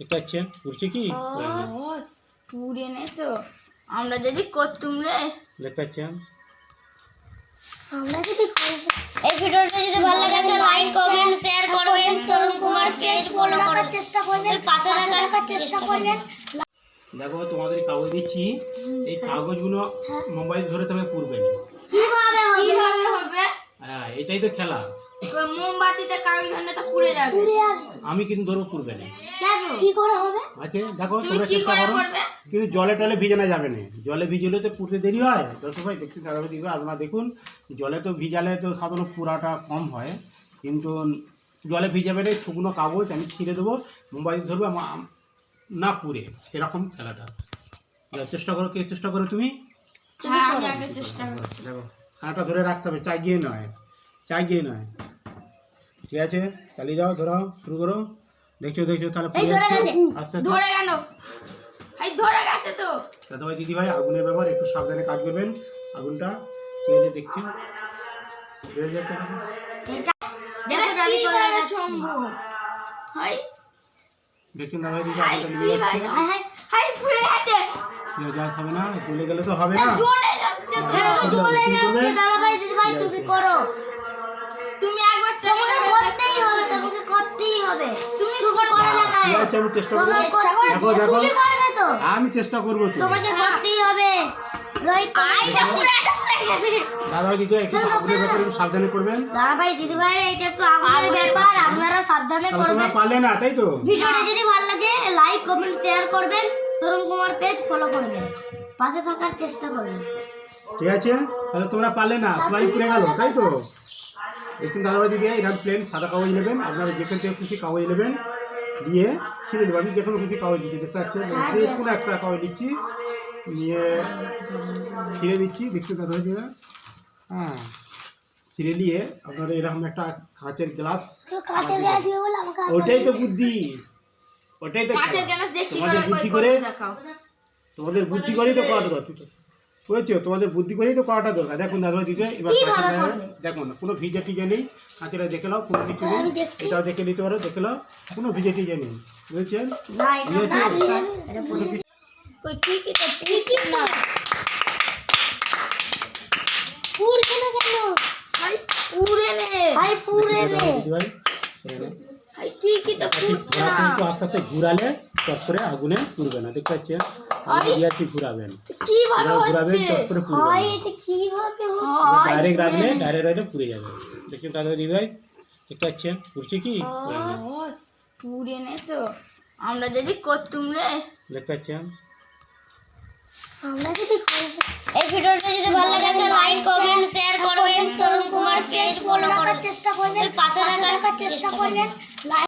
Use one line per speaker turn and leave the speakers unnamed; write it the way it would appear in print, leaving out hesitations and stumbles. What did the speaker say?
দেখতে পাচ্ছেন পুড়ছে কি?
পুড়ে নেছো আমরা যদি করতুম রে।
দেখতে পাচ্ছেন
আমরা যদি এই ভিডিওটা যদি ভালো লাগে তাহলে লাইক কমেন্ট শেয়ার করবেন, তরুণ কুমার পেজ ফলো করার চেষ্টা করবেন, পাশে রাখার চেষ্টা করবেন।
দেখো তোমাদের কাগজ দিচ্ছি, এই কাগজগুলো মোবাইল ধরে তুমি পুড়বে না।
কিভাবে
হবে?
হ্যাঁ এটাই তো খেলা।
মোমবাতিতে কাগজ ধরলে তো পুড়ে যাবে।
আমি কিন্তু ধরবো পুড়বে না।
কি করে হবে?
আচ্ছা দেখো
তুমি
তোমরা
কি
চেষ্টা
করে
করো,
করবে?
কিন্তু জলে টলে ভিজানো যাবে না। জলে ভিজলে তো পুড়তে দেরি হয়। দর্শক ভাই দেখতে দেখবে আপনারা দেখুন, জলে তো ভিজালে তো সাধারণত পুরাটা কম হয়, কিন্তু জলে ভিজাবে না। শুকনো কাগজ আমি ছিঁড়ে দেবো, মোবাইল ধরবো না পুড়ে, সেরকম খেলাটা। চেষ্টা করো, কে চেষ্টা করো তুমি?
হ্যাঁ আমি আগে চেষ্টা করছি।
দেখো হাঁটা ধরে রাখতে হবে, চাগিয়ে নয়, চাগিয়ে নয়। ঠিক আছে চালিয়ে যাও, ধরো শুরু করো। দেখছো দেখছো তাহলে পুড়ে যাচ্ছে আস্তে আস্তে।
ধরে গেল, এই ধরে গেছে তো।
দাদা ভাই দিদি ভাই আগুনের ব্যাপার একটু সাবধানে কাজ করবেন। আগুনটা ঠিক আছে দেখছি বেড়ে যাচ্ছে।
দেখো ডালি করে যাচ্ছে।
হাই
দেখছেন দাদা ভাই দিদি আগুনটা নিয়ে যাচ্ছে।
হাই হাই
হাই পুড়ে গেছে।
কেউ যা হবে না, জ্বলে গেলে তো হবে না।
জ্বলে যাচ্ছে তো।
এটা তো জ্বলে যাচ্ছে। দাদা ভাই দিদি ভাই তুমি করো,
তুমি একবার
তোমাকে করতেই হবে, তোমাকে করতেই হবে। তুমি করে দেখাও।
ঠিক আছে আমি চেষ্টা করবো। দেখো দেখো
তুমি করবে তো,
আমি চেষ্টা করবো তো।
তোমাকে করতেই হবে। রোহিত
দাদা ভাই দিদি একটু আগুনের ব্যাপারে একটু সাবধানে করবেন।
দাদা ভাই দিদি ভাই এটা একটু আগুনের ব্যাপার, আপনারা সাবধানে
তাহলে
করবেন।
তোমরা পারলে না তাই তো।
ভিডিওটা যদি ভালো লাগে লাইক কমেন্ট শেয়ার করবেন, তরুণ কুমার পেজ ফলো করবেন, পাশে থাকার চেষ্টা করবেন।
ঠিক আছে তাহলে তোমরা পারলে না, সবাই পুড়ে গেল তাই তো। একটু দাদা ভাই দিদি এরকম প্লেন সাদা কাগজ নেবেন, আপনারা যেখান থেকে খুশি কাগজ নেবেন, দিয়ে ছিঁড়ে দেবেন। আমি যে কোনো খুশি কাগজ দিচ্ছি, দেখতে পাচ্ছেন কোনো একটা কাগজ দিচ্ছি, নিয়ে ছিঁড়ে দিচ্ছি। দেখতে দাদা ভাই দিদি, হ্যাঁ ছিঁড়ে নিয়ে আপনারা এরকম একটা কাঁচের গ্লাস,
তো কাছে দিয়ে দিও বলে আমাকে
ওটাই তো বুদ্ধি, ওটাই তো
কাঁচের
খেলা।
গ্লাস দিয়ে কি
তোমাদের
করে
বুদ্ধি
করে
করে,
দেখাও।
তোমাদের বুদ্ধি করেই তো করাটা দরকার বুঝেছো, তোমাদের বুদ্ধি করেই তো করাটা দরকার। দেখুন দাদা দিতে এবার দেখুন কোনো ভিজে টিজে নেই, কাঁচেরা দেখে নাও, কোনো কিছু নেই। এটাও দেখে নিতে পারো, দেখে নাও কোনো ভিজে টিজে নেই, বুঝেছেন?
কই ঠিকই তো ঠিকই না।
পুরছে না কেন?
হাই পুড়ে নে,
ভাই পুরে নে।
হাই ঠিকই তো পুড়ছে না।
কিন্তু আস্তে আস্তে ঘুরালে চট করে আগুনে পুড়বে না। দেখতে পাচ্ছেন দিয়াছি ঘুরাবেন,
কিভাবে
ঘুরাবেন
হচ্ছে?
চট করে পুড়বে
ভাই
না।
এটা কিভাবে হবে?
ডাইরেক্ট রাখলে ডাইরেক্ট পুড়ে যাবে। দেখছেন দাদা দিদি ভাই দেখতে পাচ্ছেন পুড়ছে কি?
পুড়ে নেছো আমরা যদি করতুম রে।
দেখতে পাচ্ছেন
আমরা যদি এই ভিডিওটা যদি ভালো লাগে তাহলে লাইক কমেন্ট শেয়ার করবেন, তরুণ কুমার পেজ ফলো করার চেষ্টা করবেন, পাশে রাখার চেষ্টা করবেন।